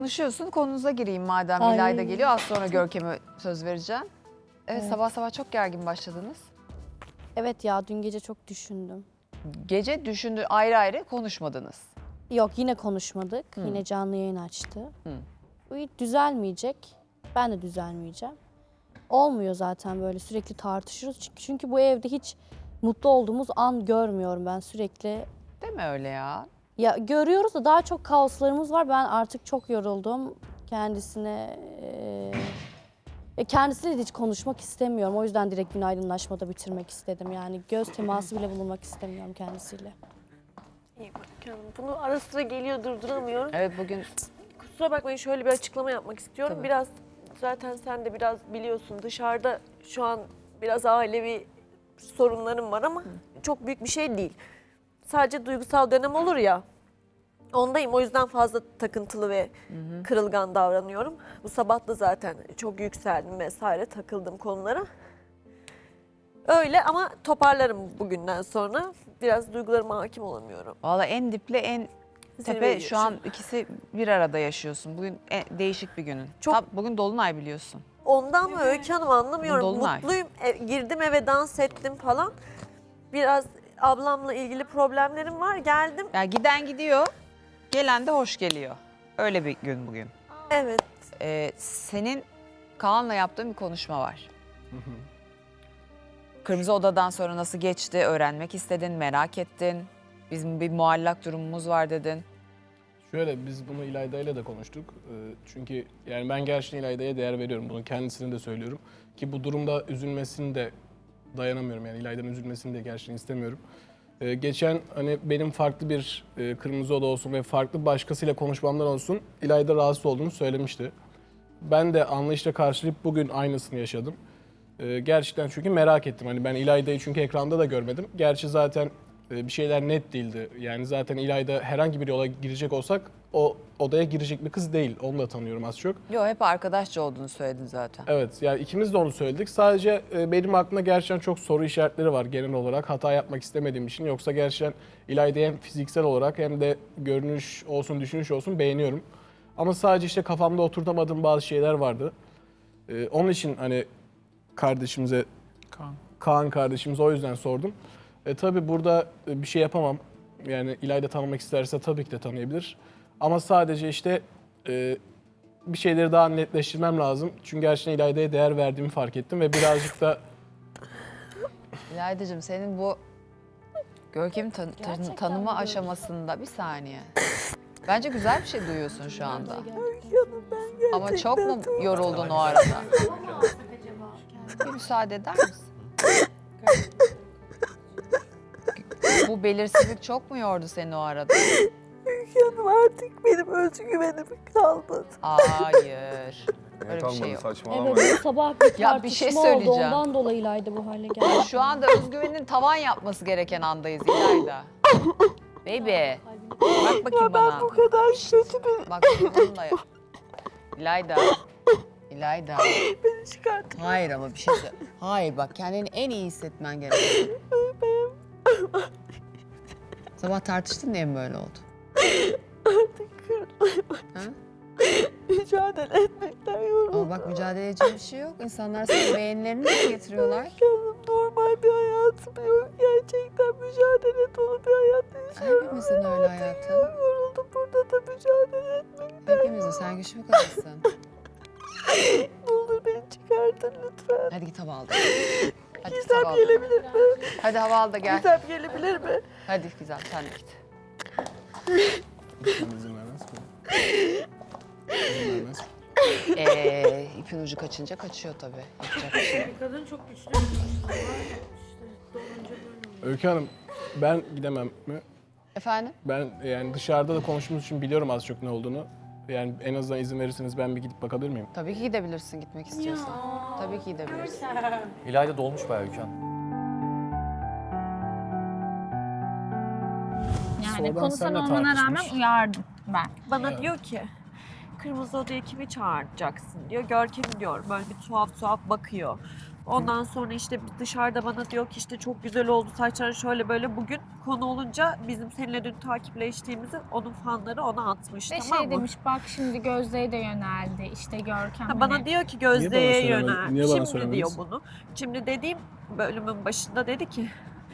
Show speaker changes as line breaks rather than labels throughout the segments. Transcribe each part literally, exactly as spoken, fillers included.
Konuşuyorsun, konunuza gireyim madem
Ay.
Nilay da geliyor. Az sonra Görkem'e söz vereceğim. Evet,
Evet.
sabah sabah çok gergin başladınız.
Evet ya dün gece çok düşündüm.
Gece düşündü ayrı ayrı konuşmadınız.
Yok yine konuşmadık.
Hı.
Yine canlı yayın açtı.
Hı.
Bu hiç düzelmeyecek. Ben de düzelmeyeceğim. Olmuyor zaten böyle sürekli tartışırız. Çünkü, çünkü bu evde hiç mutlu olduğumuz an görmüyorum ben sürekli.
Değil mi öyle ya?
Ya görüyoruz da daha çok kaoslarımız var. Ben artık çok yoruldum kendisine. E, kendisiyle de hiç konuşmak istemiyorum. O yüzden direkt günaydınlaşmada bitirmek istedim. Yani göz teması bile bulunmak istemiyorum kendisiyle.
İyi bak canım. Bunu ara sıra geliyor durduramıyorum.
Evet bugün
Kusura bakmayın şöyle bir açıklama yapmak istiyorum.
Tabii.
Biraz zaten sen de biraz biliyorsun dışarıda şu an biraz ailevi sorunlarım var ama çok büyük bir şey değil. Sadece duygusal dönem olur ya. Ondayım o yüzden fazla takıntılı ve kırılgan davranıyorum. Bu sabah da zaten çok yükseldim vesaire takıldım konulara. Öyle ama toparlarım bugünden sonra. Biraz duygularıma hakim olamıyorum.
valla en diple en tepe
Zirveyi
şu an ikisi bir arada yaşıyorsun. Bugün en- değişik bir günün.
Çok-
Tam bugün Dolunay biliyorsun.
Ondan mı Öykü Hanım anlamıyorum.
Dolunay.
Mutluyum. E, girdim eve dans ettim falan. Biraz ablamla ilgili problemlerim var. Geldim.
Yani giden gidiyor, gelen de hoş geliyor. Öyle bir gün bugün.
Evet.
Ee, senin Kaan'la yaptığın bir konuşma var. Kırmızı Oda'dan sonra nasıl geçti öğrenmek istedin, merak ettin. Bizim bir muallak durumumuz var dedin.
Şöyle biz bunu İlayda ile de konuştuk. Ee, Çünkü yani ben gerçekten İlayda'ya değer veriyorum. Bunu kendisine de söylüyorum. Ki bu durumda üzülmesini de dayanamıyorum. Yani İlayda'nın üzülmesini de gerçekten istemiyorum. Ee, Geçen hani benim farklı bir e, Kırmızı Oda olsun ve farklı başkasıyla konuşmamdan olsun İlayda rahatsız olduğunu söylemişti. Ben de anlayışla karşılayıp bugün aynısını yaşadım. Ee, Gerçekten çünkü merak ettim. Hani ben İlayda'yı çünkü ekranda da görmedim. Gerçi zaten e, bir şeyler net değildi. Yani zaten İlayda herhangi bir yola girecek olsak o odaya girecek bir kız değil. Onu da tanıyorum az çok.
Yok hep arkadaşça olduğunu söyledin zaten.
Evet yani ikimiz de onu söyledik. Sadece e, benim aklımda gerçekten çok soru işaretleri var genel olarak. Hata yapmak istemediğim için. Yoksa gerçekten İlayda'yı hem fiziksel olarak hem de görünüş olsun, düşünüş olsun beğeniyorum. Ama sadece işte kafamda oturtamadığım bazı şeyler vardı. E, onun için hani kardeşimize, Kaan, Kaan kardeşimize o yüzden sordum. E, tabii burada e, bir şey yapamam. Yani İlayda tanımak isterse tabii ki de tanıyabilir. Ama sadece işte e, bir şeyleri daha netleştirmem lazım. Çünkü gerçekten İlayda'ya değer verdiğimi fark ettim ve birazcık da
İlayda'cığım senin bu Görkem'i tan- tan-
Gerçekten
tanıma
mi
aşamasında bir saniye. Bence güzel bir şey duyuyorsun şu anda.
Canım ben
Ama çok mu yoruldun o arada? Bir müsaade eder misin? Bu belirsizlik çok mu yordu seni o arada?
Canım artık benim özgüvenim kalmadı.
Hayır. Öyle bir
Kalmadı,
şey yok.
saçmalama.
Evet bu sabah bir tartışma
Ya bir şey
oldu.
söyleyeceğim.
Ondan dolayıydı bu hale geldi.
Şu anda özgüvenin tavan yapması gereken andayız İlayda. Baby. Bak bakayım bana.
Bu kadar kötü bir
Bak bununla yap. İlayda. İlayda.
beni çıkarttı.
Hayır ama bir şey söyle. Hayır bak kendini en iyi hissetmen gerekiyor. Sabah tartıştın diye mi böyle oldu?
Artık kırıldım.
Ha?
Mücadele etmekten yoruldum.
Ama bak mücadele edecek bir şey yok. İnsanlar sana beğenilerini de getiriyorlar.
Canım normal bir hayatım yok. Gerçekten mücadele dolu bir hayat yaşıyorum.
Hepimizin öyle hayatı.
Yoruldum burada da mücadele etmekten.
Hepimizin. Sen güçlü bir kadınsın.
Ne olur beni çıkartın lütfen.
Hadi git hava al. da. Hadi git
Gizem
hava al. da.
gelebilir mi?
Hadi hava al da gel.
Gizem gelebilir mi?
Hadi Gizem sen de git.
izin vermez mi? İzin vermez mi?
Ee, ipin ucu kaçınca kaçıyor tabii. Yapacak bir şey yok.
Kadın çok güçlü.
Öykü Hanım ben gidemem mi?
Efendim?
Ben yani dışarıda da konuştuğumuz için biliyorum az çok ne olduğunu. Yani en azından izin verirseniz ben bir gidip bakabilir miyim?
Tabii ki gidebilirsin gitmek istiyorsan. Tabii ki gidebilirsin.
İlayda dolmuş bayağı Öykü Hanım.
Yani
Sonradan
konuşan
senle
olmana rağmen
tartışmış.
uyardım ben.
Bana diyor ki Kırmızı Oda'ya kimi çağıracaksın diyor. Görkem diyor böyle bir tuhaf tuhaf bakıyor. Ondan sonra işte dışarıda bana diyor ki işte çok güzel oldu saçların şöyle böyle bugün konu olunca bizim seninle dün takipleştiğimizi onun fanları ona atmış
Ve
tamam
şey
mı?
demiş bak şimdi Gözde'ye de yöneldi işte Görkem.
Ha, bana
hani-
diyor ki
Niye bana
Gözde'ye
söylemedin?
yönel.
Niye bana
Şimdi
söylemediniz?
diyor bunu. Şimdi dediğim bölümün başında dedi ki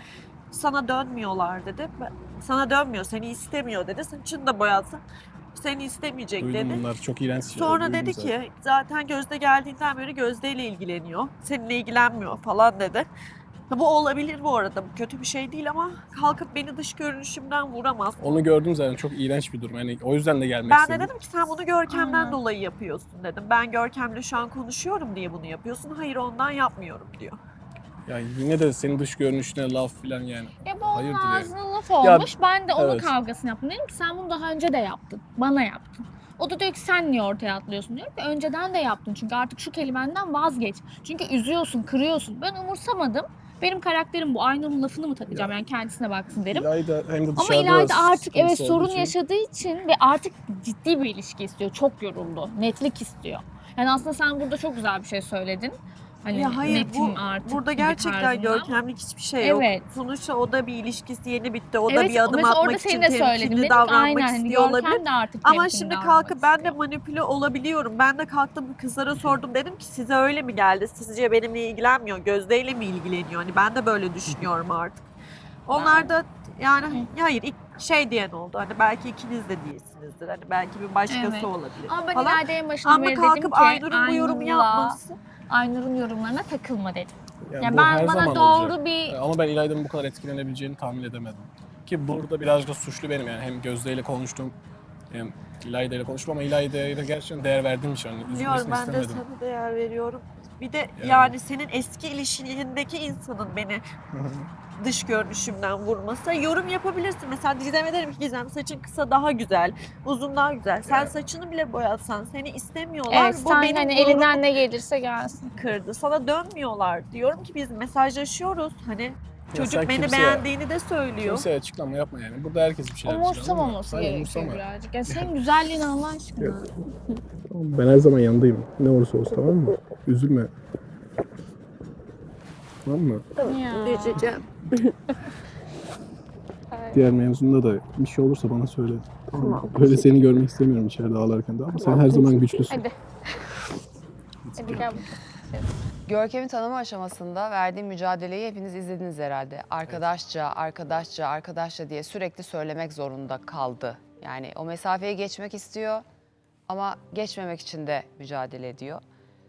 sana dönmüyorlar dedi. Ben- Sana dönmüyor, seni istemiyor dedi. Saçını da boyatsa seni istemeyecek
Duydum
dedi.
bunlar çok iğrenç şeyler.
Sonra
duydum
dedi
zaten.
ki zaten Gözde geldiğinden beri Gözde ile ilgileniyor. Seninle ilgilenmiyor falan dedi. Ha, bu olabilir bu arada. Bu kötü bir şey değil ama kalkıp beni dış görünüşümden vuramaz.
Onu gördüm zaten, çok iğrenç bir durum. Yani o yüzden de gelmek
Ben de
istedim.
dedim ki sen bunu Görkem'den
Aynen.
dolayı yapıyorsun dedim. Ben Görkem'le şu an konuşuyorum diye bunu yapıyorsun. Hayır ondan yapmıyorum diyor.
Ya yine de senin dış görünüşüne laf falan yani.
Ya bu onun
Hayırdır yani?
ağzına laf olmuş. ben de onun
evet.
kavgasını yaptım. Dedim ki sen bunu daha önce de yaptın. Bana yaptın. O da diyor ki sen niye ortaya atlıyorsun diyor ki önceden de yaptın. Çünkü artık şu kelimenden vazgeç. Çünkü üzüyorsun, kırıyorsun. Ben umursamadım. Benim karakterim bu. Aynur'un lafını mı takacağım? Yani kendisine baksın derim.
İlayda hem de
Ama
dışarıda
İlayda artık evet
sıkıntısı olduğu
sorun
için-
yaşadığı için ve artık ciddi bir ilişki istiyor. Çok yoruldu. Netlik istiyor. Yani aslında sen burada çok güzel bir şey söyledin. Hani
Ya hayır
netim
bu
artık
burada
gibi
gerçekten
tarzında.
görkemlik hiçbir şey yok.
Evet.
Sonuçta o da bir ilişkisi yeni bitti. O da
Evet,
bir adım
mesela orada
atmak için
senin de söyledin.
temkinli
Dedim ki,
davranmak
aynen, hani
istiyor
Görkem
olabilir.
de artık
Ama
temkinli
şimdi
davranmak
kalkıp ben de
istiyor.
manipüle olabiliyorum. Ben de kalktım kızlara sordum. Dedim ki size öyle mi geldi? Sizce benimle ilgilenmiyor. Gözde ile mi ilgileniyor? Hani ben de böyle düşünüyorum artık. Onlar da yani hayır ilk şey diyen oldu. Hani belki ikiniz de değilsinizdir. Hani belki bir başkası
Evet.
olabilir
Ama ben
falan.
İlayda'ya en başından
Ama
beri dedim
kalkıp
ki
Aynur'un bu yorumu
Aynur'la-
yapması.
Aynur'un yorumlarına takılma dedim.
Yani
Yani
bu
ben
her
bana
zaman
doğru
olacak.
bir
Ama ben İlayda'nın bu kadar etkilenebileceğini tahmin edemedim. Ki burada birazcık da suçlu benim yani. Hem Gözde ile konuştum, hem İlayda ile konuştum ama İlayda'ya da gerçekten değer verdiğim için hani
Biliyorum
üzülmesini
ben de
istemedim.
sana değer veriyorum. Bir de yani,
Yani.
senin eski ilişkindeki insanın beni dış görünüşümden vurması. Yorum yapabilirsin. Mesela Gizem'e derim ki Gizem saçın kısa daha güzel, uzun daha güzel. Sen
Evet.
saçını bile boyatsan seni istemiyorlar.
evet,
Bu
sen
benim
hani
gururumu
elinden ne gelirse gelsin.
kırdı. Sana dönmüyorlar. Diyorum ki biz mesajlaşıyoruz. Hani çocuk
sen
beni
kimseye-
beğendiğini de söylüyor.
Kimseye açıklama yapma yani. Burada herkes bir şeyler düşünüyor ama
Umursamaması
sen
gerekiyor
umursama.
birazcık. Ya senin güzelliğin Allah aşkına.
Ben her zaman yanındayım. Ne olursa olsun, tamam mı? Üzülme. Tamam mı?
Ya.
Üzeceğim.
Diğer mevzunda da bir şey olursa bana söyle. Tamam mı? Böyle seni görmek istemiyorum içeride ağlarken de ama sen her zaman güçlüsün.
Hadi. Hadi gel.
Görkem'in tanıma aşamasında verdiği mücadeleyi hepiniz izlediniz herhalde. Arkadaşça, arkadaşça, arkadaşça diye sürekli söylemek zorunda kaldı. Yani o mesafeyi geçmek istiyor ama geçmemek için de mücadele ediyor.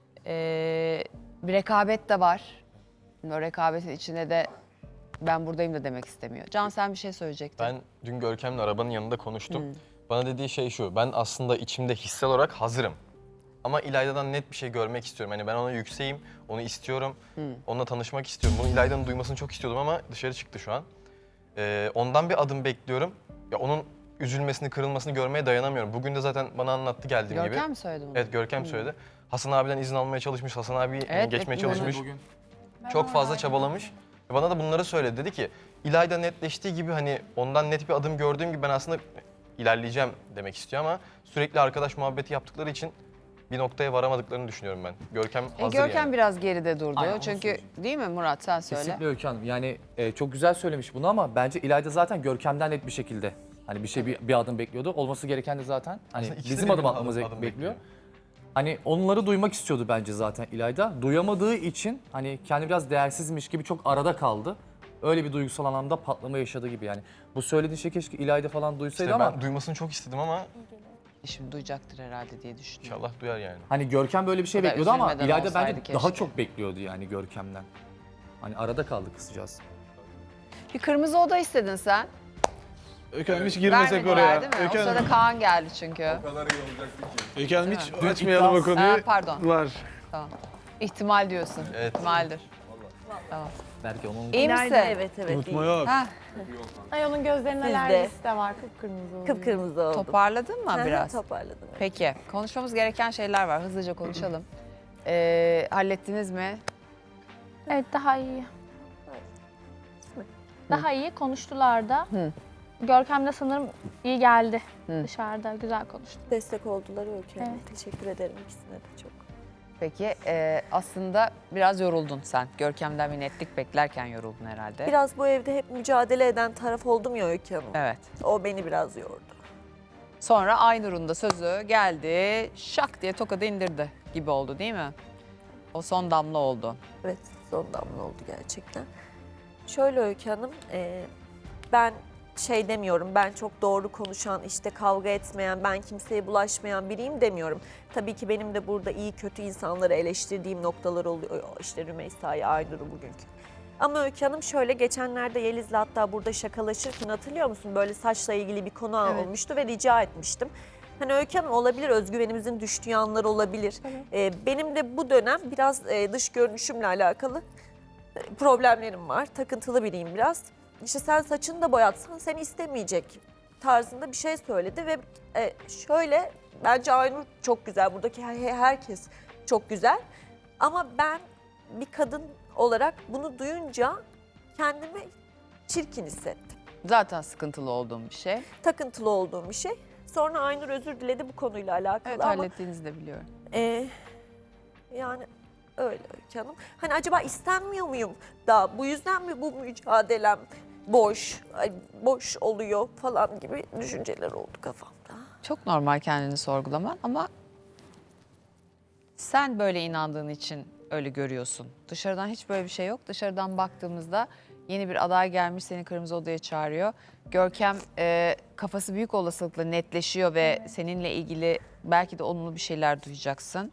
Ee, bir rekabet de var. O rekabetin içinde de ben buradayım da demek istemiyor. Can sen bir şey söyleyecektin.
Ben dün Görkem'le arabanın yanında konuştum.
Hmm.
Bana dediği şey şu, ben aslında içimde hissel olarak hazırım. Ama İlayda'dan net bir şey görmek istiyorum. Hani ben ona yükseğim, onu istiyorum,
Hmm.
onunla tanışmak istiyorum. Bunu İlayda'nın duymasını çok istiyordum ama dışarı çıktı şu an. Ee, ondan bir adım bekliyorum. Ya onun üzülmesini, kırılmasını görmeye dayanamıyorum. Bugün de zaten bana anlattı geldiğim gibi.
Görkem mi söyledi bunu?
Evet, Görkem söyledi. Hasan abiden izin almaya çalışmış, Hasan abi
Evet,
geçmeye
evet,
çalışmış.
Bugün
Çok fazla çabalamış. Ve bana da bunları söyledi. Dedi ki İlayda netleştiği gibi hani ondan net bir adım gördüğüm gibi ben aslında ilerleyeceğim demek istiyor ama sürekli arkadaş muhabbeti yaptıkları için bir noktaya varamadıklarını düşünüyorum ben. Görkem
E,
hazır
Görkem
yani.
biraz geride durdu.
Aynen, onu
Çünkü
söyleyeceğim.
değil mi Murat sen söyle.
kesinlikle Öykü Hanım. Yani e, çok güzel söylemiş bunu ama bence İlayda zaten Görkem'den net bir şekilde hani bir şey bir, bir adım bekliyordu. Olması gereken de zaten hani
Aslında ikisi de
bizim
benim
adım atmamızı
adım
bekliyor.
bekliyor.
Hani onları duymak istiyordu bence zaten İlayda. Duyamadığı için hani kendi biraz değersizmiş gibi çok arada kaldı. Öyle bir duygusal anlamda patlama yaşadığı gibi yani. Bu söylediğin şey keşke İlayda falan duysaydı
İşte
ama
ben duymasını çok istedim ama
Şimdi duyacaktır herhalde diye düşünüyorum.
inşallah duyar yani.
hani Görkem böyle bir şey
O da
bekliyordu ama
üzülmeden
İlayda
olsaydı
bence
keşke.
daha çok bekliyordu yani Görkem'den. Hani arada kaldı kızcağız.
Bir kırmızı oda istedin sen.
Öykü Hanım hiç girmesek
Vermediler
oraya.
değil mi?
Öykü
o
Hanım,
sırada Kaan geldi çünkü.
Öykü Hanım
Değil
hiç
mi?
açmayalım o konuyu.
Ha, pardon.
Var.
Tamam. İhtimal diyorsun.
Evet.
İhtimaldir. Tamam.
Belki onun
İyi misin?
İlayda evet evet.
Unutma
iyi.
yok.
Ha,
Ay onun gözlerinin
Siz de.
alerjisi de var. Kıpkırmızı oluyor.
Kıpkırmızı oldum.
toparladın mı
Hı hı,
biraz?
Toparladım.
Peki. Konuşmamız gereken şeyler var. Hızlıca konuşalım. Ee, hallettiniz mi?
Evet daha iyi. Daha iyi konuştular da.
Hı.
Görkem de sanırım iyi geldi.
Hı.
Dışarıda güzel konuştu.
Destek oldular Öykü Hanım.
Evet.
Teşekkür ederim ikisine de çok.
Peki e, aslında biraz yoruldun sen. Görkem'den bir netlik beklerken yoruldun herhalde.
Biraz bu evde hep mücadele eden taraf oldum ya Öykü Hanım.
Evet.
O beni biraz yordu.
Sonra Aynur'un da sözü geldi, şak diye tokadı indirdi gibi oldu değil mi? O son damla oldu.
Evet, son damla oldu gerçekten. Şöyle Öykü Hanım, e, ben şey demiyorum, ben çok doğru konuşan, işte kavga etmeyen, ben kimseye bulaşmayan biriyim demiyorum. Tabii ki benim de burada iyi kötü insanları eleştirdiğim noktalar oluyor. İşte Rümeysa'yı, Aynur'u bugünkü. Ama Öykü Hanım şöyle, geçenlerde Yeliz'le hatta burada şakalaşırken hatırlıyor musun? Böyle saçla ilgili bir konu
Evet.
olmuştu ve rica etmiştim. Hani Öykü Hanım olabilir, özgüvenimizin düştüğü anlar olabilir. Ee, benim de bu dönem biraz e, dış görünüşümle alakalı e, problemlerim var. Takıntılı biriyim biraz. İşte sen saçını da boyatsan seni istemeyecek tarzında bir şey söyledi ve e, şöyle, bence Aynur çok güzel, buradaki her- herkes çok güzel. Ama ben bir kadın olarak bunu duyunca kendimi çirkin hissettim.
Zaten sıkıntılı olduğum bir şey.
Takıntılı olduğum bir şey. Sonra Aynur özür diledi bu konuyla alakalı
Evet,
ama
hallettiğinizi de biliyorum.
e, yani öyle Öykü Hanım. Hani acaba istenmiyor muyum da bu yüzden mi bu mücadelem boş, ay, boş oluyor falan gibi düşünceler oldu kafamda.
Çok normal kendini sorgulaman ama sen böyle inandığın için öyle görüyorsun. Dışarıdan hiç böyle bir şey yok. Dışarıdan baktığımızda yeni bir aday gelmiş, seni kırmızı odaya çağırıyor. Görkem e, kafası büyük olasılıkla netleşiyor ve seninle ilgili belki de olumlu bir şeyler duyacaksın.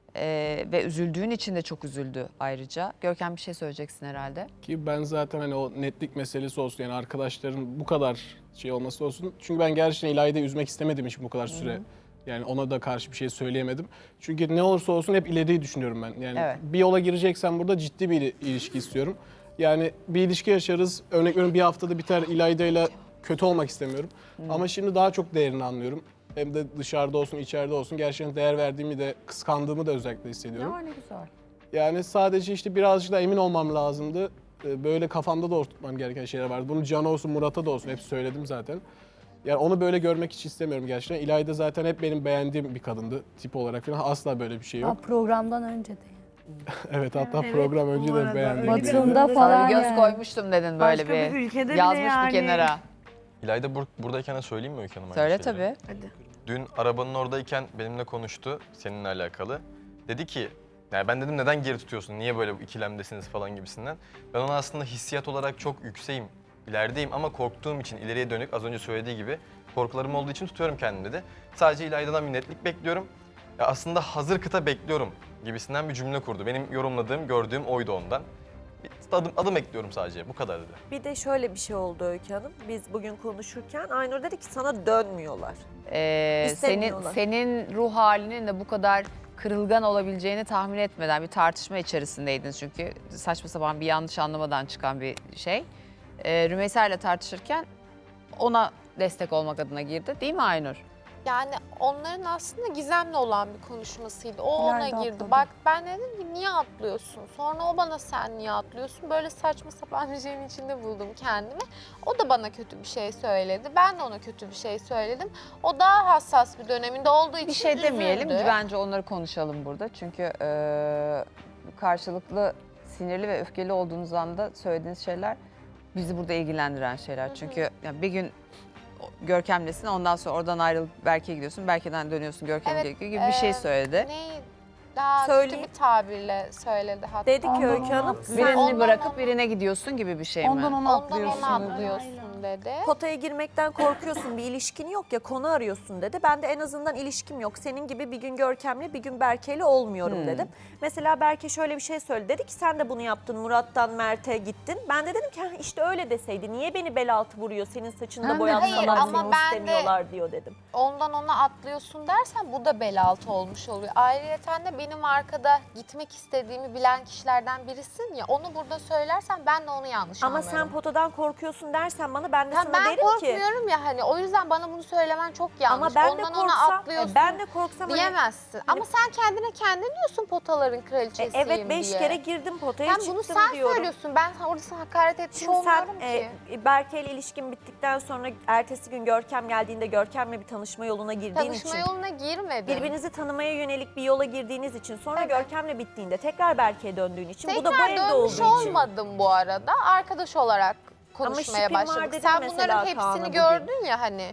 E, ve üzüldüğün için de çok üzüldü ayrıca. Görkem bir şey söyleyeceksin herhalde.
Ki ben zaten hani o netlik meselesi olsun, yani arkadaşların bu kadar şey olması olsun. Çünkü ben gerçekten İlayda'yı üzmek istemedim için bu kadar süre. Yani ona da karşı bir şey söyleyemedim. Çünkü ne olursa olsun hep ileriyi düşünüyorum ben. Yani
Evet.
bir yola gireceksen burada ciddi bir ilişki istiyorum. Yani bir ilişki yaşarız. Örnek veriyorum, bir haftada biter, İlayda'yla kötü olmak istemiyorum. Ama şimdi daha çok değerini anlıyorum. Hem de dışarıda olsun, içeride olsun gerçekten değer verdiğimi de, kıskandığımı da özellikle hissediyorum.
ne güzel.
Yani sadece işte birazcık da emin olmam lazımdı. Ee, Böyle kafamda da oturtmam gereken şeyler vardı. Bunu Can olsun, Murat'a da olsun hep söyledim zaten. Yani onu böyle görmek hiç istemiyorum gerçekten. İlayda zaten hep benim beğendiğim bir kadındı tip olarak falan. Asla böyle bir şey
Ha,
yok.
programdan önce de.
Evet, hatta program önce de beğendiğim bir
Batımda
kadındı.
falan
Sana bir göz
yani.
koymuştum dedin böyle
Başka
bir.
bir ülkede bile
yazmış
yani.
bir kenara.
İlayda bur- buradayken de söyleyeyim mi Öykü Hanım? aynı
Söyle
şeyleri?
tabii.
Dün arabanın oradayken benimle konuştu seninle alakalı. Dedi ki, yani ben dedim neden geri tutuyorsun, niye böyle bu ikilemdesiniz falan gibisinden. Ben ona aslında hissiyat olarak çok yükseğim, ilerideyim ama korktuğum için ileriye dönük, az önce söylediği gibi korkularım olduğu için tutuyorum kendimi dedi. Sadece İlayda'dan bir netlik bekliyorum. Ya aslında hazır kıta bekliyorum gibisinden bir cümle kurdu. Benim yorumladığım, gördüğüm oydu ondan. Bir adım, adım ekliyorum sadece, bu kadar dedi.
Bir de şöyle bir şey oldu Öykü Hanım. Biz bugün konuşurken Aynur dedi ki sana dönmüyorlar.
Ee, senin
İstemiyorlar.
senin ruh halinin de bu kadar kırılgan olabileceğini tahmin etmeden bir tartışma içerisindeydiniz çünkü saçma sapan bir yanlış anlamadan çıkan bir şey. Ee, Rümeysa ile tartışırken ona destek olmak adına girdi, değil mi Aynur?
Yani onların aslında gizemli olan bir konuşmasıydı. O ona
İleride
girdi.
atladı.
Bak ben dedim ki niye atlıyorsun? Sonra o bana sen niye atlıyorsun? Böyle saçma sapan bir şeyin içinde buldum kendimi. O da bana kötü bir şey söyledi. Ben de ona kötü bir şey söyledim. O daha hassas bir döneminde olduğu için
Bir şey demeyelim,
üzüldü.
bence onları konuşalım burada. Çünkü e, karşılıklı sinirli ve öfkeli olduğunuz anda söylediğiniz şeyler bizi burada ilgilendiren şeyler. Çünkü yani bir gün Görkem'lesin, ondan sonra oradan ayrılıp Berke'ye gidiyorsun, Berke'den dönüyorsun Görkem'e
Evet,
gibi bir şey
e,
söyledi.
Ne daha
Söyleyeyim.
kötü bir tabirle söyledi hatta.
Dedi ki
Ondan
Öykü
ona
Hanım
atlıyor.
sen
Birini
ondan
bırakıp
ona-
birine gidiyorsun gibi bir şey mi?
Ondan ona
Ondan
atlıyorsun.
ona
dedi.
atlıyorsun dedi.
potaya girmekten korkuyorsun, bir ilişkin yok ya, konu arıyorsun dedi. Ben de en azından ilişkim yok. Senin gibi bir gün Görkem'le bir gün Berke'yle olmuyorum
Hmm.
dedim. Mesela Berke şöyle bir şey söyledi. Dedi ki sen de bunu yaptın, Murat'tan Mert'e gittin. Ben de dedim ki "Ha, işte öyle deseydi. Niye beni bel altı vuruyor, senin saçını
Ha,
da boyatsalar
hayır, ama
seni
ben de-
istemiyorlar" diyor dedim.
Ondan ona atlıyorsun dersen bu da bel altı olmuş oluyor. Ayrıyeten de benim arkada gitmek istediğimi bilen kişilerden birisin ya, onu burada söylersen ben de onu yanlış
Ama
anlarım.
sen potadan korkuyorsun dersen bana korktuğunda ben de
Ya
sana
ben
derim ki.
korkmuyorum ya hani o yüzden bana bunu söylemen çok yanlış.
Ama ben de
Ondan ona
korksam,
atlıyorsun
e, ben de korksam hani-
diyemezsin. Ama sen kendine kendin diyorsun potaların
E,
kraliçesiyim
evet beş
diye.
kere girdim potaya
Sen
çıktım
bunu sen
diyorum.
söylüyorsun. Ben orada sana hakaret etmiş
Şimdi sen
olmuyorum
e,
ki.
Berke ile ilişkin bittikten sonra ertesi gün Görkem geldiğinde Görkem'le bir tanışma yoluna girdiğin
Tanışma
için.
yoluna girmedim.
Birbirinizi tanımaya yönelik bir yola girdiğiniz için sonra
Evet.
Görkem'le bittiğinde tekrar Berke'ye döndüğün için bu da bu
Tekrar
evde olduğu
dönmüş
için.
olmadım bu arada. Arkadaş olarak konuşmaya
şipim var
başladık.
dedin
Sen
mesela
bunların
Kaan'a
hepsini
bugün.
gördün ya hani.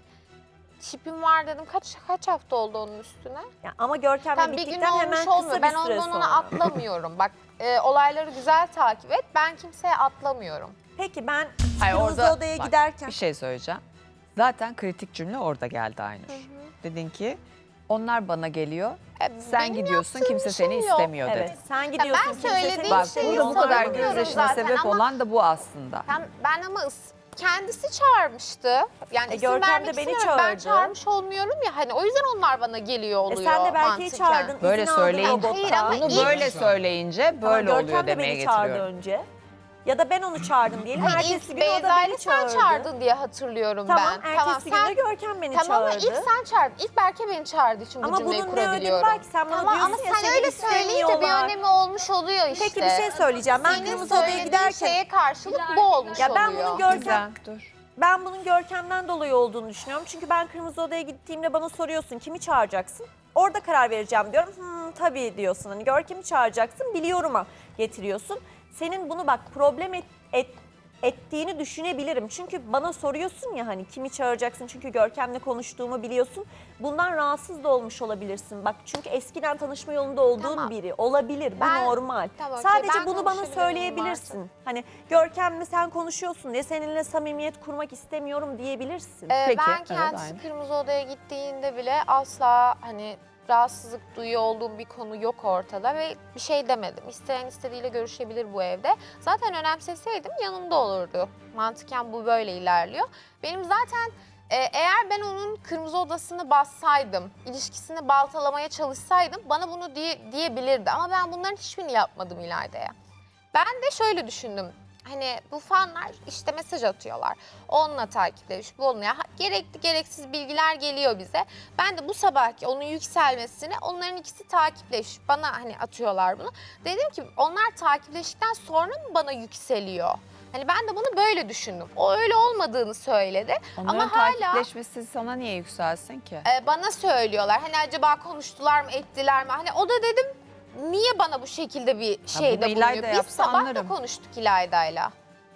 Şipim var dedim. Kaç kaç hafta oldu onun üstüne?
Ya ama Görkem'le
Tam bir gün
bittikten hemen
olmuş
kısa
olmuyor.
bir
Ben
süre
ondan
sonra.
ona atlamıyorum. Bak e, olayları güzel takip et. Ben kimseye atlamıyorum.
Peki ben
Hayır,
kırmızı
orada-
odaya
bak,
giderken
Bir şey söyleyeceğim. Zaten kritik cümle orada geldi Aynur. Dedin ki onlar bana geliyor,
E,
sen
benim
gidiyorsun
yaptığım
kimse
bir şey
seni
yok.
istemiyor
evet
dedin.
sen gidiyorsun.
ben
kimse
söylediğim
seni
Bak
şeyi
burada bu
istemiyor.
kadar
savunuyorum
gözyaşına
zaten
sebep
ama-
olan da bu aslında.
Ben, ben ama ıs- kendisi çağırmıştı. Yani
E,
isim
Görkem
vermek
de beni
istemiyorum. Ben
çağırdı.
çağırmış olmuyorum ya hani o yüzden onlar bana geliyor
E
oluyor
sen de Berke'yi
mantıken.
çağırdın.
Böyle
izin aldın
söyleyince,
robotta.
Hayır ama
bunu
ilk-
böyle söyleyince
Tamam,
böyle
Görkem
oluyor
de
demeye
beni çağırdı
getiriyorum.
önce. Ya da ben onu çağırdım diyelim.
Hayır,
Ertesi
ilk
gün o da
Beyza
beni
ile sen
çağırdı.
çağırdın diye hatırlıyorum
Tamam,
ben.
ertesi gün de Görkem beni
Tamam ama
çağırdı.
ilk sen çağırdın. İlk Berke beni çağırdığı için bu
Ama
cümleyi
bunun ne önemi
kurabiliyorum.
var ki? Sen bana
Tamam
diyorsun
ama
ya,
sen
seni
öyle söyleyince bir
istemiyorlar.
önemi olmuş oluyor işte.
Peki bir şey söyleyeceğim. Ben
Senin
kırmızı odaya
söylediğin
giderken
şeye karşılık bu olmuş
ya ben
oluyor.
bunun Görkem
Güzel, dur.
ben bunun Görkem'den dolayı olduğunu düşünüyorum. Çünkü ben kırmızı odaya gittiğimde bana soruyorsun kimi çağıracaksın? Orada karar vereceğim diyorum. Hmm, tabii diyorsun. Hani Görkem'i çağıracaksın biliyorum'a getiriyorsun. Senin bunu bak problem et, et ettiğini düşünebilirim. Çünkü bana soruyorsun ya hani kimi çağıracaksın çünkü Görkem'le konuştuğumu biliyorsun. Bundan rahatsız da olmuş olabilirsin. Bak çünkü eskiden tanışma yolunda olduğun
Tamam.
biri olabilir. Bu
Ben-
normal.
Tamam,
Sadece
ben
bunu bana
konuşabilirim
söyleyebilirsin. Hani Görkem'le sen konuşuyorsun diye seninle samimiyet kurmak istemiyorum diyebilirsin.
Ee,
Peki,
ben
evet,
kendisi
aynı.
kırmızı odaya gittiğinde bile asla hani rahatsızlık duyuyor olduğum bir konu yok ortada ve bir şey demedim. İsteyen istediğiyle görüşebilir bu evde. Zaten önemseseydim yanımda olurdu. Mantıken bu böyle ilerliyor. Benim zaten e, eğer ben onun kırmızı odasını bassaydım, ilişkisini baltalamaya çalışsaydım bana bunu diye, diyebilirdi. Ama ben bunların hiçbirini yapmadım İlayda'ya. Ben de şöyle düşündüm. Hani bu fanlar işte mesaj atıyorlar. Onunla takiplemiş, bu onunla. Ha, gerekli gereksiz bilgiler geliyor bize. Ben de bu sabahki onun yükselmesini onların ikisi takipleş. Bana hani atıyorlar bunu. Dedim ki onlar takipleştikten sonra mı bana yükseliyor? Hani ben de bunu böyle düşündüm. O öyle olmadığını söyledi.
Onların
Ama hala
takipleşmesi sana niye yükselsin ki?
e, bana söylüyorlar. Hani acaba konuştular mı, ettiler mi? Hani o da dedim niye bana bu şekilde bir şeyde
bunu İlayda
bulunuyor? Biz
yapsa
sabah
anlarım.
da konuştuk İlayda'yla.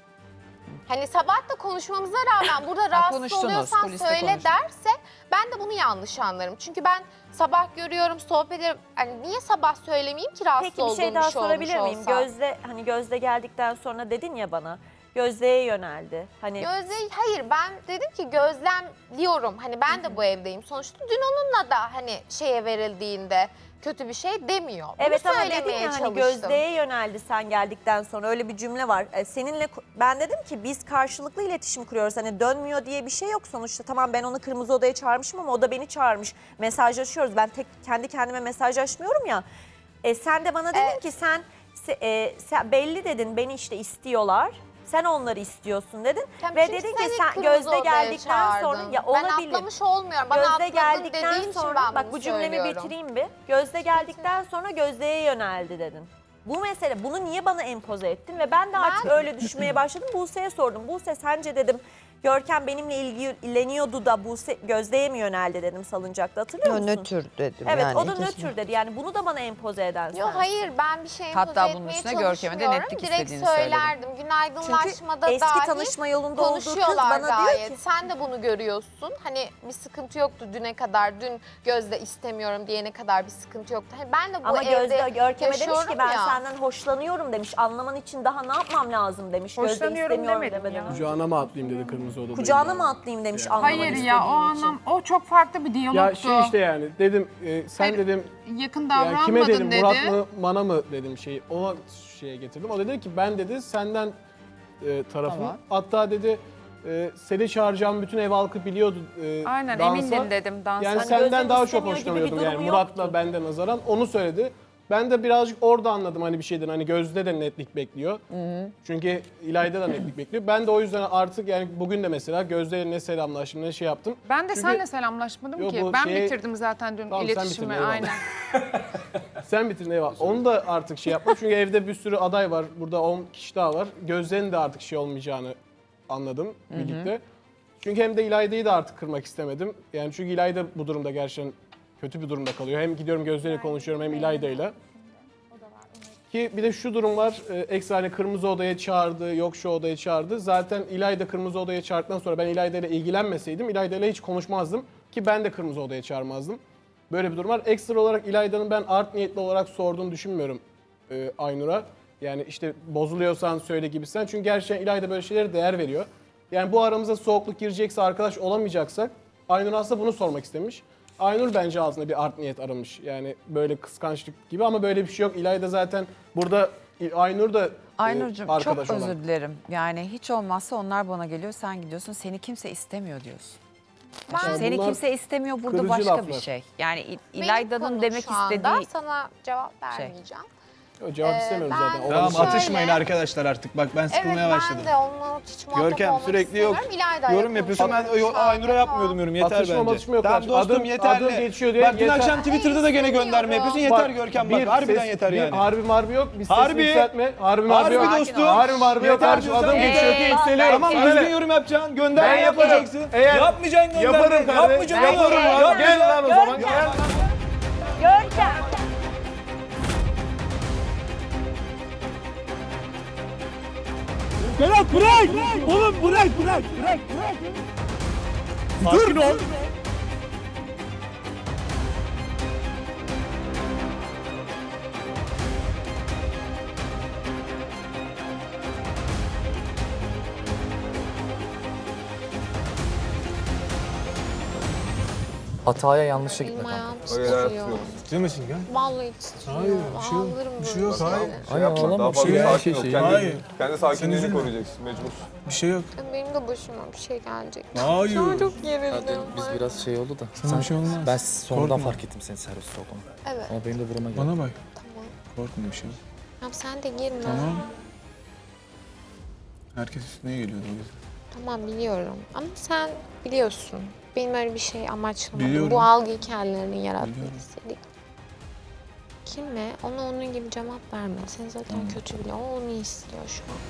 Hani sabah da konuşmamıza rağmen burada rahatsız
konuştunuz,
oluyorsan
kuliste
söyle
konuştunuz.
derse ben de bunu yanlış anlarım. Çünkü ben sabah görüyorum, sohbet ederim. Hani niye sabah söylemeyeyim ki rahatsız
Peki bir
olduğum
şey daha
olmuş
sorabilir miyim?
olsa?
Gözde hani Gözde geldikten sonra dedin ya bana. Gözde'ye yöneldi. Hani
Gözde, hayır ben dedim ki gözlemliyorum. Hani ben de bu evdeyim. Sonuçta dün onunla da hani şeye verildiğinde kötü bir şey demiyor. Bunu
evet ama dedin
söylemeye
ya hani
çalıştım.
Gözde'ye yöneldi sen geldikten sonra öyle bir cümle var. E, seninle ben dedim ki biz karşılıklı iletişim kuruyoruz. Hani dönmüyor diye bir şey yok sonuçta. Tamam ben onu kırmızı odaya çağırmışım ama o da beni çağırmış. Mesajlaşıyoruz. Ben tek kendi kendime mesajlaşmıyorum ya. E, sen de bana dedin
Evet.
ki sen, se- e, sen belli dedin beni işte istiyorlar. Sen onları istiyorsun dedin.
Tamam,
Ve
çünkü
dedin
seni
ki sen
kırmızı
Gözde
odaya
geldikten sonra
çağırdın.
ya
Ben
olabilir.
atlamış olmuyorum. Bana
Gözde
atladın
geldikten
dediğin için
sonra
ben
bak
bunu
bu cümlemi
söylüyorum.
bitireyim bir. Gözde geldikten sonra Gözde'ye yöneldi dedin. Bu mesele bunu niye bana empoze ettin ve ben de artık
Ben-
öyle düşünmeye başladım. Buse'ye sordum. Buse sence dedim Görkem benimle ilgileniyordu da Buse Gözde'ye mi yöneldi dedim salıncakta hatırlıyor musun?
Nötr dedim
Evet
yani.
o da
ikisine.
nötr dedi. Yani bunu da bana empoze eden
Yok
sensin.
hayır ben bir şey empoze
Hatta bunun
etmeye
üstüne Görkem'e de
çalışmıyorum.
netlik
Direkt
istediğini söyledi.
söylerdim. Günaydınlaşmada
Çünkü eski
dahi
tanışma yolunda olduğu kız
konuşuyorlar
bana
gayet.
diyor ki
Sen de bunu görüyorsun. Hani bir sıkıntı yoktu düne kadar. Dün Gözde istemiyorum diyene kadar bir sıkıntı yoktu. Hani ben de bu
ama
evde
Gözde Görkem'e demiş
yaşıyorum
ki ben
ya.
senden hoşlanıyorum demiş. Anlaman için daha ne yapmam lazım demiş. Gözde
Hoşlanıyorum
istemiyorum
demedim
demeden
ya.
önce.
Kucağına mı atlayayım dedi kırmızı odada.
Kucağına mı atlayayım demiş anlaman
Hayır
istediğin
ya o
için.
anlam o çok farklı bir diyalogtu.
Ya şey işte yani dedim e, sen
Hayır,
dedim
yakın
ya
davranmadın
kime dedim
dedi.
Murat mı Mana mı dedim şeyi ona şeye getirdim. O dedi ki ben dedi senden e, tarafım.
Tamam.
Hatta dedi e, seni çağıracağım bütün ev halkı biliyordu e,
Aynen
dansa.
emindim dedim dansa.
Yani
Hani
senden
Gözde'nin
daha çok
istemiyor gibi bir
hoşlanıyordum yani
durumu
Murat'la
yoktu.
benden nazaran onu söyledi. Ben de birazcık orada anladım hani bir şeyden. Hani Gözde de netlik bekliyor. Çünkü İlayda da netlik bekliyor. Ben de o yüzden artık yani bugün de mesela Gözde'yle ne selamlaştım ne şey yaptım.
Ben de
Çünkü-
seninle selamlaşmadım
Yo,
ki.
bu
Ben
şey-
bitirdim zaten dün
Tamam, sen
iletişimi.
bitirdin, eyvallah.
Aynen.
Sen bitirin eyvallah. Onu da artık şey yapma. Çünkü evde bir sürü aday var. Burada on kişi daha var. Gözde'nin de artık şey olmayacağını anladım birlikte. Çünkü hem de İlayda'yı da artık kırmak istemedim. Yani çünkü İlayda bu durumda gerçekten kötü bir durumda kalıyor. Hem gidiyorum Gözde'yle konuşuyorum hem İlayda'yla. Ki bir de şu durum var. e, Ekstra hani kırmızı odaya çağırdı, yok şu odaya çağırdı. Zaten İlayda kırmızı odaya çağırdıktan sonra ben İlayda ile ilgilenmeseydim İlayda ile hiç konuşmazdım. Ki ben de kırmızı odaya çağırmazdım. Böyle bir durum var. Ekstra olarak İlayda'nın ben art niyetli olarak sorduğunu düşünmüyorum e, Aynur'a. Yani işte bozuluyorsan söyle gibisinden. Çünkü gerçekten İlayda böyle şeylere değer veriyor. Yani bu aramıza soğukluk girecekse, arkadaş olamayacaksak Aynur aslında bunu sormak istemiş. Aynur bence ağzında bir art niyet aramış. Yani böyle kıskançlık gibi ama böyle bir şey yok. İlayda zaten burada Aynur da e,
Aynur'cum çok
arkadaş olan.
özür dilerim. Yani hiç olmazsa onlar bana geliyor, sen gidiyorsun. Seni kimse istemiyor diyorsun.
Ben-
Şimdi seni
bunlar
kimse istemiyor burada
kırıcı
başka
laflar.
bir şey. Yani İ-
Benim
İlayda'nın
konum
demek
şu anda,
istediği
sana cevap
şey.
vermeyeceğim.
Yok, cevap
Ee,
istemiyorum
ben-
zaten.
Tamam
Şöyle-
atışmayın arkadaşlar artık. Bak ben sıkılmaya
evet,
başladım.
ben de onunla hiç muhatap
Görkem
olmak
sürekli yok.
istemiyorum. İlayda'yla
Yorum yapıyorsun. Ben
konuşuyorum
o-
şu anda,
Aynur'a yapmıyordum yorum. Yeter
Atışma
bence.
matışma yok
Tamam
kardeşim.
dostum
Adım-
yeterli.
adım geçiyor diye
Bak dün
yeter.
akşam Twitter'da da gene gönderme yapıyorsun. Yeter
Bak,
Görkem bak.
bir
Harbiden
ses-
yeter
bir
yani.
Harbi marbi yok. Bir
Harbi.
sesini yükseltme. Harbi marbi
Harbi
yok.
dostum.
Harbi marbi yok.
Yeter
Kardeşim adım
diyorsan-
geçiyor ki
Ee,
yükseliyorum.
Tamam
Sana
düzgün
ne?
yorum yapacaksın.
Ben
Gönderme
yaparım.
yapacaksın.
Eğer-
Yapmayacaksın gönderme.
Yaparım kardeşim.
Yapmayacaksın oğlum.
Yaparım ya.
Yapmayacaksın.
Gel lan o zaman. Gel lan.
Berat bırak. Oğlum bırak bırak bırak. Sakin ol.
Hataya yanlışa
Elim
gitme kanka.
ayağım titriyor.
Ciddi misin ya?
Vallahi titriyor.
Hayır, bir şey yok.
Ağlarım
Bir şey
böyle
yok, hayır.
şeylere.
Hayır ağlama.
Daha fazla
Bir şey
sakin
yok.
ol.
Şey,
Kendi,
Hayır.
kendi sakinliğini
üzülme.
koruyacaksın mecbur.
Bir şey yok.
Benim de başıma bir şey gelecek.
Hayır.
Şu an çok gerildim.
Biz biraz şey oldu da.
Sana bir şey olmaz.
Ben sonradan
Korkma.
fark ettim senin serviste olduğunu.
Evet,
Ama benim de burama geldi.
Bana bak.
tamam.
Korkma bir şey yok.
Tamam sen de girme.
Tamam. Herkes üstüne geliyordu o yüzden.
Tamam biliyorum. Ama sen biliyorsun. Benim öyle bir şey amaçlamadım.
Biliyorum.
Bu algıyı kendilerinin yaratmak
Biliyorum.
istedik. Kime? Ona onun gibi cevap verme. Sen zaten kötü bile. O onu istiyor şu an.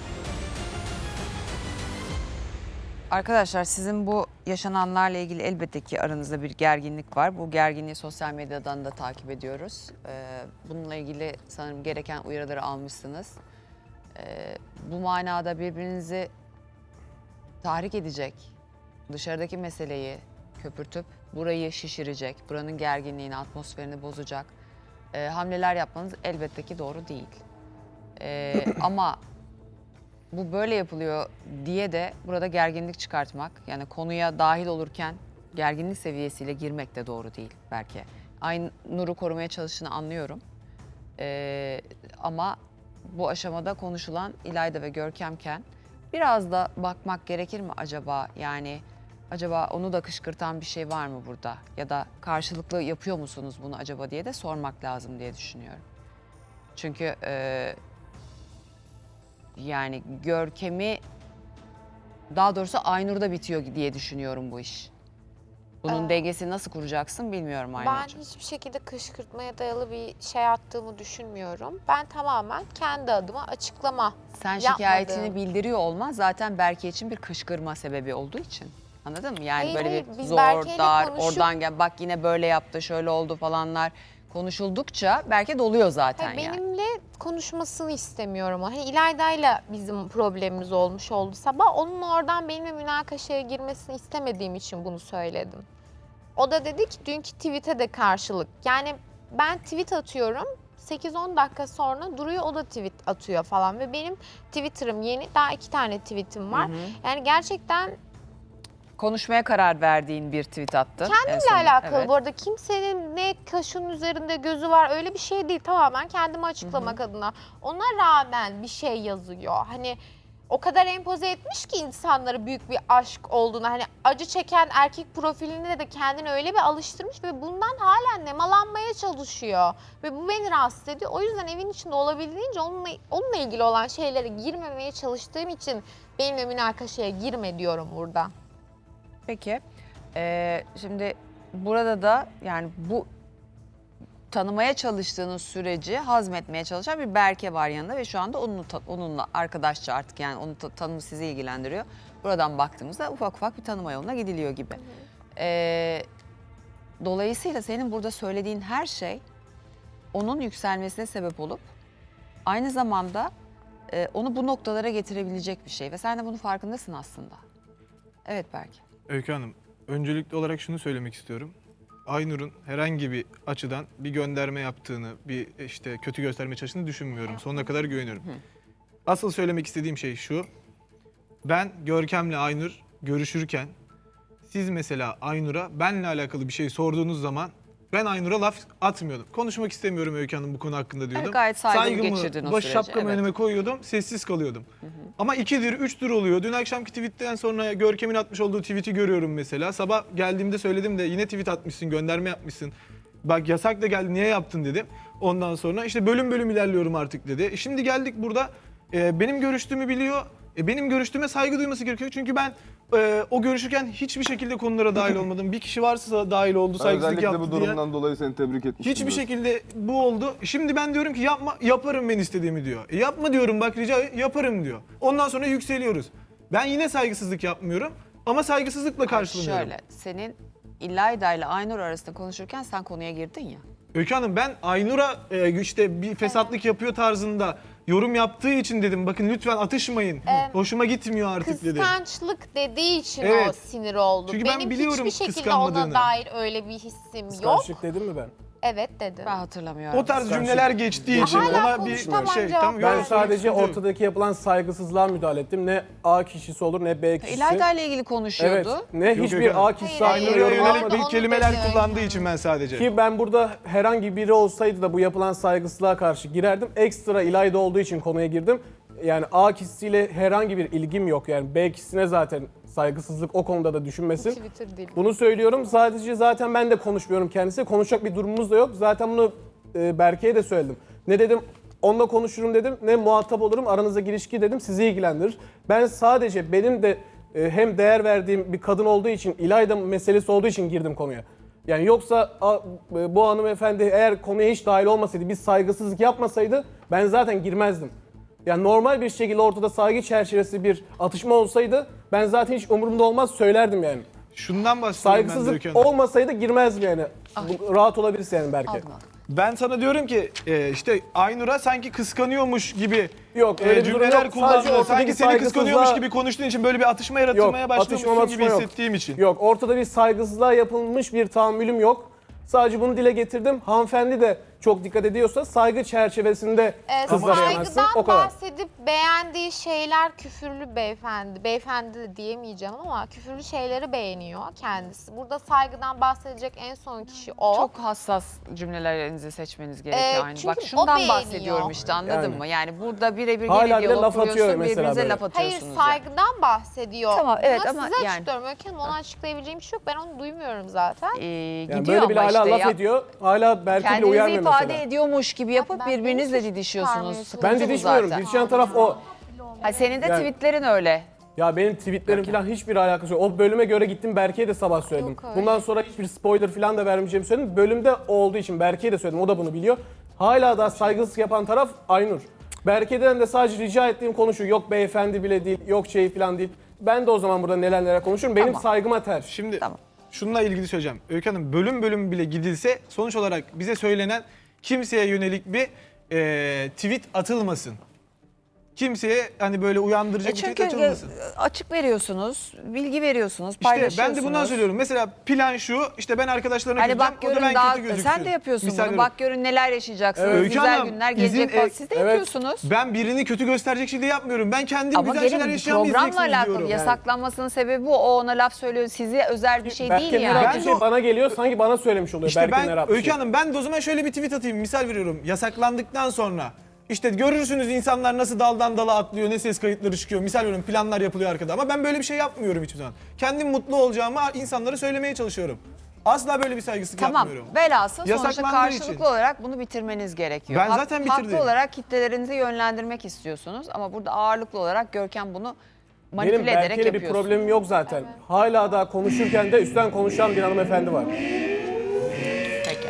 Arkadaşlar sizin bu yaşananlarla ilgili elbette ki aranızda bir gerginlik var. Bu gerginliği sosyal medyadan da takip ediyoruz. Ee, bununla ilgili sanırım gereken uyarıları almışsınız. Ee, bu manada birbirinizi tahrik edecek, dışarıdaki meseleyi köpürtüp burayı şişirecek, buranın gerginliğini, atmosferini bozacak e, hamleler yapmanız elbette ki doğru değil. Ee, ama bu böyle yapılıyor diye de burada gerginlik çıkartmak, yani konuya dahil olurken gerginlik seviyesiyle girmek de doğru değil belki. Aynur'u korumaya çalıştığını anlıyorum. Ee, ama bu aşamada konuşulan İlayda ve Görkemken biraz da bakmak gerekir mi acaba? Yani acaba onu da kışkırtan bir şey var mı burada? Ya da karşılıklı yapıyor musunuz bunu acaba diye de sormak lazım diye düşünüyorum. Çünkü e, yani Görkem'i, daha doğrusu Aynur'da bitiyor diye düşünüyorum bu iş. Bunun
Ee,
dengesini nasıl kuracaksın bilmiyorum
Ben
Aynur'cum.
hiçbir şekilde kışkırtmaya dayalı bir şey attığımı düşünmüyorum. Ben tamamen kendi adıma açıklama.
Sen
yapmadım.
şikayetini bildiriyor olman zaten Berke için bir kışkırma sebebi olduğu için. Anladın mı? Yani
Hayır,
böyle
hayır,
bir
biz
zor,
Berke'yle
dar,
konuşup-
oradan gel, bak yine böyle yaptı, şöyle oldu falanlar konuşuldukça Berke doluyor zaten
Hayır,
yani.
benimle konuşmasını istemiyorum. Hani İlayda'yla bizim problemimiz olmuş oldu sabah. Onun oradan benimle münakaşaya girmesini istemediğim için bunu söyledim. O da dedi ki dünkü tweet'e de karşılık. Yani ben tweet atıyorum. sekiz on dakika sonra duruyor, o da tweet atıyor falan. Ve benim Twitter'ım yeni. Daha iki tane tweet'im var.
Hı hı.
Yani gerçekten
Konuşmaya karar verdiğin bir tweet attın.
kendimle alakalı bu arada. Kimsenin ne kaşının üzerinde gözü var öyle bir şey değil. Tamamen kendimi açıklamak adına. Ona rağmen bir şey yazıyor. Hani o kadar empoze etmiş ki insanlara büyük bir aşk olduğunu. Hani acı çeken erkek profilinde de kendini öyle bir alıştırmış ve bundan hala nemalanmaya çalışıyor. Ve bu beni rahatsız ediyor. O yüzden evin içinde olabildiğince onunla, onunla ilgili olan şeylere girmemeye çalıştığım için benimle münakaşaya girme diyorum burada.
Peki. Ee, şimdi burada da yani bu tanımaya çalıştığınız süreci hazmetmeye çalışan bir Berke var yanında ve şu anda onunla, onunla arkadaşça artık yani onun tanımı sizi ilgilendiriyor. Buradan baktığımızda ufak ufak bir tanıma yoluna gidiliyor gibi. Ee, dolayısıyla senin burada söylediğin her şey onun yükselmesine sebep olup aynı zamanda e, onu bu noktalara getirebilecek bir şey ve sen de bunun farkındasın aslında. Evet Berke.
Öykü Hanım, öncelikli olarak şunu söylemek istiyorum. Aynur'un herhangi bir açıdan bir gönderme yaptığını, bir işte kötü gösterme çalıştığını düşünmüyorum. Sonuna kadar güveniyorum. Asıl söylemek istediğim şey şu. Ben Görkem'le Aynur görüşürken siz mesela Aynur'a benle alakalı bir şey sorduğunuz zaman ben Aynur'a laf atmıyordum. Konuşmak istemiyorum Öykü Hanım bu konu hakkında diyordum.
Evet, gayet saygılı geçirdin o
baş
süreci,
şapkamı
evet.
önüme koyuyordum, sessiz kalıyordum. Hı hı. Ama ikidir, üçtür oluyor. Dün akşamki tweetten sonra Görkem'in atmış olduğu tweet'i görüyorum mesela. Sabah geldiğimde söyledim de yine tweet atmışsın, gönderme yapmışsın. Bak yasak da geldi, niye yaptın dedim. Ondan sonra işte bölüm bölüm ilerliyorum artık dedi. E şimdi geldik burada, e, benim görüştüğümü biliyor. E, benim görüştüğüme saygı duyması gerekiyor. Çünkü ben e, o görüşürken hiçbir şekilde konulara dahil olmadım. Bir kişi varsa dahil oldu, saygısızlık
Özellikle
yaptı
bu
diye.
durumdan dolayı seni tebrik etmiştim.
Hiçbir
biraz.
şekilde bu oldu. Şimdi ben diyorum ki yapma, yaparım ben istediğimi diyor. E yapma diyorum bak rica yaparım diyor. Ondan sonra yükseliyoruz. Ben yine saygısızlık yapmıyorum ama saygısızlıkla karşılanıyorum.
Şöyle, senin İlayda ile Aynur arasında konuşurken sen konuya girdin ya.
Öykü Hanım ben Aynur'a e, işte bir fesatlık yapıyor tarzında yorum yaptığı için dedim. Bakın lütfen atışmayın.
Ee,
Hoşuma gitmiyor artık dedim.
Kıskançlık dediği için
Evet.
o sinir oldu.
Çünkü ben
Benim
biliyorum
hiçbir şekilde
kıskanmadığını.
ona dair öyle bir hissim yok.
Kıskançlık dedim mi ben?
Evet dedim.
Ben hatırlamıyorum.
O tarz cümleler geçtiği için
Hala
ona bir
konuştamam,
şey
cevap
tam
ver.
Ben sadece ortadaki yapılan saygısızlığa müdahale ettim. Ne A kişisi olur ne B kişisi.
İlayda ile ilgili
Evet.
konuşuyordu.
Ne
Yok, yok,
hiçbir
yok.
A kişisi
Hayır,
aynı
hayır,
Aynur'a
yorum
Orada
yönelik
yapmadı.
onu
kelimeler
dedi.
kullandığı için ben sadece.
Ki ben burada herhangi biri olsaydı da bu yapılan saygısızlığa karşı girerdim. Ekstra İlayda olduğu için konuya girdim. Yani A kişisiyle herhangi bir ilgim yok. Yani B kişisine zaten saygısızlık o konuda da düşünmesin.
Twitter değil.
Bunu söylüyorum. Sadece zaten ben de konuşmuyorum kendisiyle. Konuşacak bir durumumuz da yok. Zaten bunu e, Berke'ye de söyledim. Ne dedim? Onunla konuşurum dedim. Ne muhatap olurum. Aranıza girişki dedim. Sizi ilgilendirir. Ben sadece benim de e, hem değer verdiğim bir kadın olduğu için, İlayda meselesi olduğu için girdim konuya. Yani yoksa a, e, bu hanımefendi eğer konuya hiç dahil olmasaydı, biz saygısızlık yapmasaydı ben zaten girmezdim. Yani normal bir şekilde ortada saygı çerçevesi bir atışma olsaydı ben zaten hiç umurumda olmaz söylerdim yani.
Şundan bahsediyorum ben de
Saygısızlık
Öykü Hanım.
olmasaydı girmezdim yani. Bu, rahat olabilirsin yani belki.
Aldım aldım.
Ben sana diyorum ki e, işte Aynur'a sanki kıskanıyormuş gibi
Yok,
e,
öyle bir durum
cümleler
yok.
kullandın.
Sadece ortadaki
Sanki seni kıskanıyormuş
saygısızlığa-
gibi konuştuğun için böyle bir atışma yaratılmaya
Yok,
başlamışsın
atışma
gibi
matışma yok.
hissettiğim için.
Yok, ortada bir saygısızlığa yapılmış bir tahammülüm yok. Sadece bunu dile getirdim. Hanımefendi de çok dikkat ediyorsa saygı çerçevesinde
Ee,
kızlara yanaşsın.
saygıdan
O kadar.
bahsedip beğendiği şeyler küfürlü beyefendi. Beyefendi de diyemeyeceğim ama küfürlü şeyleri beğeniyor kendisi. Burada saygıdan bahsedecek en son kişi o.
Çok hassas cümlelerinizi seçmeniz gerekiyor
Ee,
aynı.
çünkü
Bak
o
şundan
beğeniyor.
bahsediyorum işte anladın
Yani.
mı? Yani burada birebir
Hala
gene
bile
diyalog
laf atıyor
kuruyorsun,
mesela
birbirinize
böyle.
laf
Hayır
atıyorsunuz. yani.
saygıdan bahsediyor.
Tamam, evet
Bunu
ama
size
yani-
açıklıyorum. Öykü Hanım ona açıklayabileceğim bir şey yok. Ben onu duymuyorum zaten.
Ee,
Yani
gidiyor
böyle bile
ama
hala
işte
laf
ya-
ediyor. Hala Berke bile
Kendinizi
uyarmıyor
ifade
mesela.
ediyormuş gibi yapıp
Ben
birbirinizle
beni
didişiyorsunuz.
çıkarmaya
Sıkıntı
Ben
bu
didişmiyorum.
zaten.
Didişen taraf o.
Ha, senin de
Yani-
tweetlerin öyle.
Ya benim tweetlerim falan hiçbir alakası yok. O bölüme göre gittim Berke'ye de sabah söyledim.
Yok öyle.
Bundan sonra hiçbir spoiler falan da vermeyeceğimi söyledim. Bölümde o olduğu için Berke'ye de söyledim. O da bunu biliyor. Hala da saygısızlık yapan taraf Aynur. Berke'den de sadece rica ettiğim konu şu. Yok beyefendi bile değil, yok şey falan değil. Ben de o zaman burada neler neler konuşurum. Benim
Tamam.
saygıma ters.
Şimdi
Tamam.
şununla ilgili söyleyeceğim. Öykü Hanım bölüm bölüm bile gidilse sonuç olarak bize söylenen kimseye yönelik bir e, tweet atılmasın. Kimseye hani böyle uyandıracak
E
bir tweet
çünkü
atılmasın.
açık veriyorsunuz, bilgi veriyorsunuz,
İşte
paylaşıyorsunuz.
ben de bundan söylüyorum. Mesela plan şu, işte ben arkadaşlarına
Hani
gideceğim,
bak
o da
görün
ben
daha
kötü gözüksün.
sen de yapıyorsun
Misal
bunu.
veriyorum.
Bak görün neler yaşayacaksınız.
Evet. Öykü
Güzel
Hanım,
günler
izin-
gelecek falan.
e,
Siz de
evet.
yapıyorsunuz.
Ben birini kötü gösterecek şey de yapmıyorum. Ben kendim
Ama
güzel şeyler
gelin
yaşayan bir
programla
izleyeceksiniz
alakalı
diyorum.
yasaklanmasının sebebi bu. O ona laf söylüyor. Size özel bir şey değil
Berke'nin
yani.
herhangi
Ben
bir
de
şey
o-
bana geliyor sanki bana söylemiş oluyor.
İşte
Berke'nin
ben
herhangi bir
Öykü
şey.
Hanım ben de o zaman şöyle bir tweet atayım. Misal veriyorum. Yasaklandıktan sonra İşte görürsünüz insanlar nasıl daldan dala atlıyor, ne ses kayıtları çıkıyor. Misal veriyorum, planlar yapılıyor arkada ama ben böyle bir şey yapmıyorum hiçbir zaman. Kendim mutlu olacağımı insanlara söylemeye çalışıyorum. Asla böyle bir saygısızlık
Tamam.
yapmıyorum.
Velhasıl sonuçta
Yasaklandığı
karşılıklı
için.
olarak bunu bitirmeniz gerekiyor.
Ben
Hak-
zaten bitirdim.
Haklı olarak kitlelerinizi yönlendirmek istiyorsunuz ama burada ağırlıklı olarak Görkem bunu manipüle
Benim
ederek
Berke'yle bir
yapıyorsunuz.
problemim yok zaten. Hala daha konuşurken de üstten konuşan bir hanımefendi var.
Peki.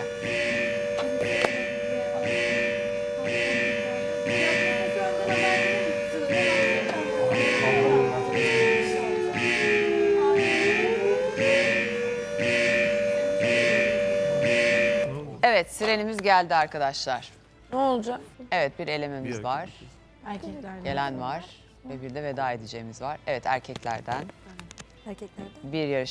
Evet, sirenimiz geldi arkadaşlar.
Ne olacak?
Evet, bir elememiz
Bir
var.
Erkeklerden.
Gelen var ve bir de veda edeceğimiz var. Evet, erkeklerden
Erkeklerden.
bir yarış